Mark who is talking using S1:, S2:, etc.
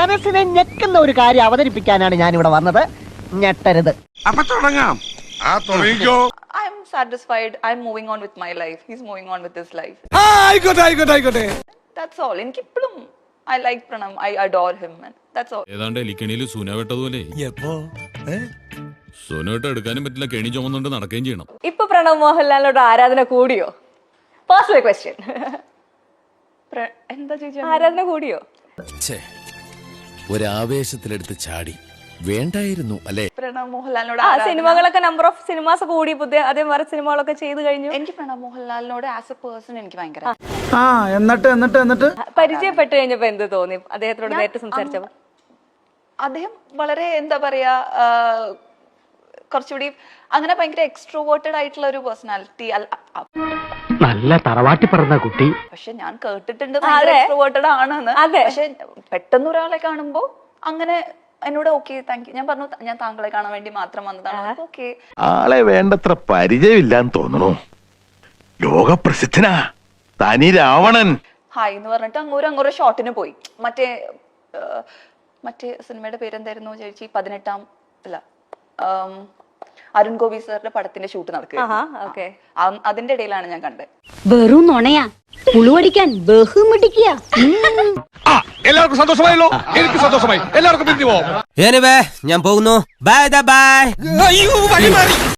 S1: മനസ്സിനെ ഞെക്കുന്ന ഒരു കാര്യം അവതരിപ്പിക്കാനാണ് ഞാൻ ഇവിടെ വന്നത്. ഞെട്ടരുത്.
S2: അപ്പൊ തുടങ്ങാം. തുടങ്ങിക്കോ.
S3: I'm satisfied. I'm moving on with my life. He's moving on with his life.
S2: ആയിക്കോട്ടെ.
S3: That's all. എനിക്കിപ്പോഴും I like Pranam. I adore him. And that's all.
S4: ഏതാണ്ട് എലിക്കണിയിൽ സൂന വെട്ടതുപോലെ സൂന വെട്ട എടുക്കാനും പറ്റില്ല, കെണി ചുമന്നുകൊണ്ട് നടക്കുകയും ചെയ്യണം.
S5: ഇപ്പൊ പ്രണവ് മോഹൻലാലിനോട് ആരാധന കൂടിയോ? Personal question.
S3: എന്താ ചേച്ചി?
S5: ആരാധന കൂടിയോ?
S6: ഒരാവേശത്തിലെടുത്ത് ചാടി വേണ്ടായിരുന്നു അല്ലേ?
S3: പ്രണവ് മോഹൻലാലിനോട്
S5: സിനിമകളൊക്കെ നമ്പർ ഓഫ് സിനിമാസ് കൂടി, പുതിയ അതേ വേറെ സിനിമകളൊക്കെ ചെയ്തു കഴിഞ്ഞു.
S3: എനിക്ക് പ്രണവ് മോഹൻലാലിനോട് ആസ് എ പേഴ്സൺ എനിക്ക് ഭയങ്കര
S7: എന്നിട്ട്
S5: പരിചയപ്പെട്ട് കഴിഞ്ഞപ്പോ എന്ത് തോന്നി അദ്ദേഹത്തോട് നേരിട്ട് സംസാരിച്ചപ്പോ?
S3: അദ്ദേഹം വളരെ എന്താ പറയാ, കുറച്ചുകൂടി അങ്ങനെ ഭയങ്കര എക്സ്ട്രോവേർട്ടഡ് ആയിട്ടുള്ള ഒരു പേഴ്സണാലിറ്റി.
S1: നല്ല തറവാട്ടി പറഞ്ഞ കുട്ടി.
S3: പക്ഷെ ഞാൻ കേട്ടിട്ടുണ്ട് ഭയങ്കര എക്സ്ട്രോവേർട്ടഡ് ആണെന്ന്. പക്ഷെ പെട്ടെന്ന് ഒരാളെ കാണുമ്പോ അങ്ങനെ എന്നോട് ഓക്കെ താങ്ക് യു ഞാൻ പറഞ്ഞു, ഞാൻ താങ്കളെ കാണാൻ വേണ്ടി മാത്രം വന്നതാണ്. ഓക്കെ,
S2: ആളെ വേണ്ടത്ര പരിചയമില്ലാന്ന് തോന്നണു. ലോകപ്രസിദ്ധനാ തനി രാവണൻ.
S3: ഹായ് എന്ന് പറഞ്ഞിട്ട് അങ്ങോരോ ഷോട്ടിന് പോയി. മറ്റേ സിനിമയുടെ പേരെന്തായിരുന്നു ചേച്ചി? 18 അല്ല, അരുൺ ഗോപി സാറിന്റെ പടത്തിന്റെ ഷൂട്ട് നടക്കുക. അതിന്റെ ഇടയിലാണ് ഞാൻ കണ്ടത്.
S8: വെറും നുണയാ, പുളുവടിക്കാൻ ബഹുമിടിക്കുക.
S2: എല്ലാവർക്കും സന്തോഷമായല്ലോ. എനിക്ക് സന്തോഷമായി. എല്ലാവർക്കും പിരിഞ്ഞു പോവാം.
S6: ഞാൻ പോകുന്നു. Bye by.